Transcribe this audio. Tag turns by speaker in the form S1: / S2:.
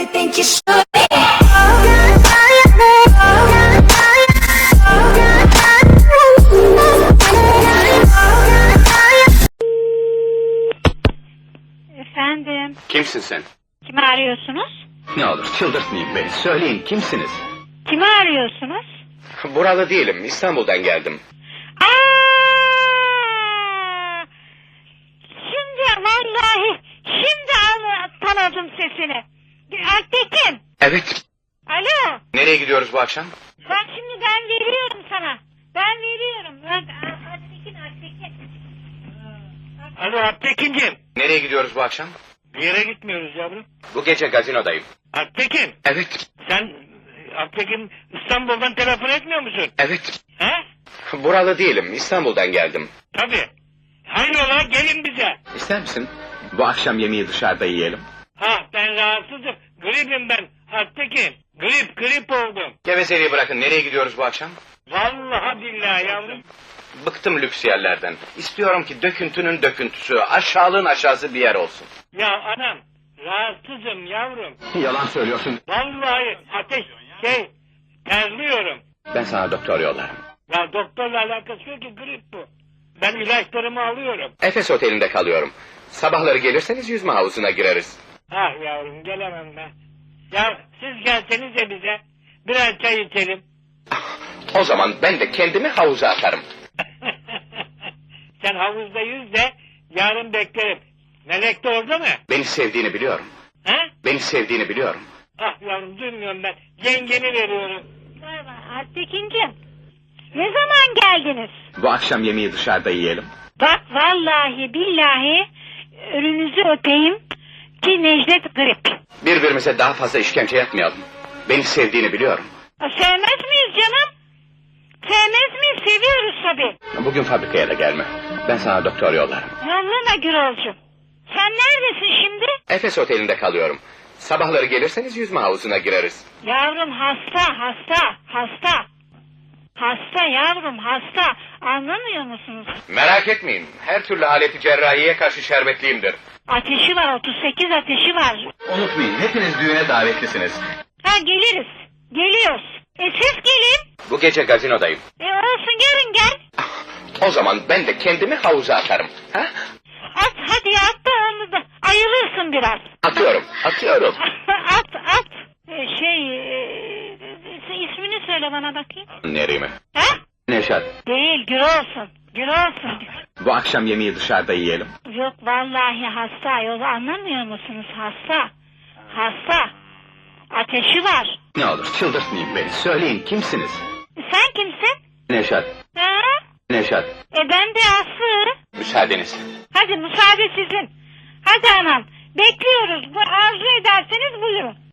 S1: you think you should be.
S2: Efendim,
S3: Kimsin sen?
S2: kimi arıyorsunuz?
S3: Ne olur çıldırtmayın beni. Söyleyin kimsiniz?
S2: Kimi arıyorsunuz?
S3: Buralı değilim. İstanbul'dan geldim.
S2: Aa! Şimdi vallahi tanıdım sesini. Alptekin.
S3: Evet.
S2: Alo.
S3: Nereye gidiyoruz bu akşam?
S2: Ben veriyorum sana. Ben veriyorum. Alptekin.
S4: Alo Alptekin'cim.
S3: Nereye gidiyoruz bu akşam?
S4: Bir yere gitmiyoruz yavrum.
S3: Bu gece gazinodayım.
S4: Alptekin.
S3: Evet.
S4: Sen Alptekin İstanbul'dan telefon etmiyor musun?
S3: Evet.
S4: He?
S3: Buralı değilim. İstanbul'dan geldim.
S4: Tabii. Hayrola gelin bize.
S3: İster misin? Bu akşam yemeği dışarıda yiyelim.
S4: Ha ben rahatsızım. Gripim ben Alptekin. Grip oldum.
S3: Gevezeliği bırakın. Nereye gidiyoruz bu akşam?
S4: Vallahi billahi yavrum.
S3: Bıktım lüks yerlerden. İstiyorum ki döküntünün döküntüsü, aşağılığın aşağısı bir yer olsun.
S4: Ya anam rahatsızım yavrum.
S3: Yalan söylüyorsun.
S4: Vallahi terliyorum.
S3: Ben sana doktor yollarım.
S4: Ya doktorla alakası yok ki grip bu. Ben ilaçlarımı alıyorum.
S3: Efes Oteli'nde kalıyorum. Sabahları gelirseniz yüzme havuzuna gireriz.
S4: Ah yavrum gelemem ben. Ya siz gelsenize bize. Birer çay içelim.
S3: O zaman ben de kendimi havuza atarım.
S4: Sen havuzda yüz de yarın beklerim. Melek de orada mı?
S3: Beni sevdiğini biliyorum.
S4: He?
S3: Beni sevdiğini biliyorum.
S4: Ah yavrum duymuyorum ben. Yengeni veriyorum.
S2: Alptekin'cim. Ne zaman geldiniz?
S3: Bu akşam yemeği dışarıda yiyelim.
S2: Bak vallahi billahi önünüzü öpeyim ki Necdet grip.
S3: Birbirimize daha fazla işkence yapmayalım. Beni sevdiğini biliyorum.
S2: Sevmez miyiz canım? Sevmez miyiz? Seviyoruz tabii.
S3: Bugün fabrikaya da gelme. Ben sana doktor yollarım.
S2: Yollama Gürolcuğum. Sen neredesin şimdi?
S3: Efes Oteli'nde kalıyorum. Sabahları gelirseniz yüzme havuzuna gireriz.
S2: Yavrum hasta. Hasta yavrum hasta. Anlamıyor musunuz?
S3: Merak etmeyin. Her türlü aleti cerrahiye karşı şerbetliyimdir.
S2: Ateşi var 38 ateşi var.
S3: Unutmayın hepiniz düğüne davetlisiniz.
S2: Ha geliriz. Geliyoruz. Siz gelin.
S3: Bu gece gazinodayım.
S2: Olsun gelin gel.
S3: O zaman ben de kendimi havuza atarım. Ha?
S2: At hadi at da onu da ayılırsın biraz.
S3: Atıyorum.
S2: at. İsmini söyle bana bakayım.
S3: Nerimi?
S2: Ha?
S3: Neşat.
S2: Değil Gürolsun.
S3: Bu akşam yemeği dışarıda yiyelim.
S2: Yok vallahi hasta. Yolu anlamıyor musunuz? Hasta. Ateşi var.
S3: Ne olur çıldırtmayın beni. Söyleyin kimsiniz?
S2: Sen kimsin?
S3: Neşat.
S2: Ha?
S3: Neşat.
S2: Ben de Aslı.
S3: Müsaadeniz.
S2: Hadi müsaade sizin. Hadi anam. Bekliyoruz. Arzu ederseniz buyurun.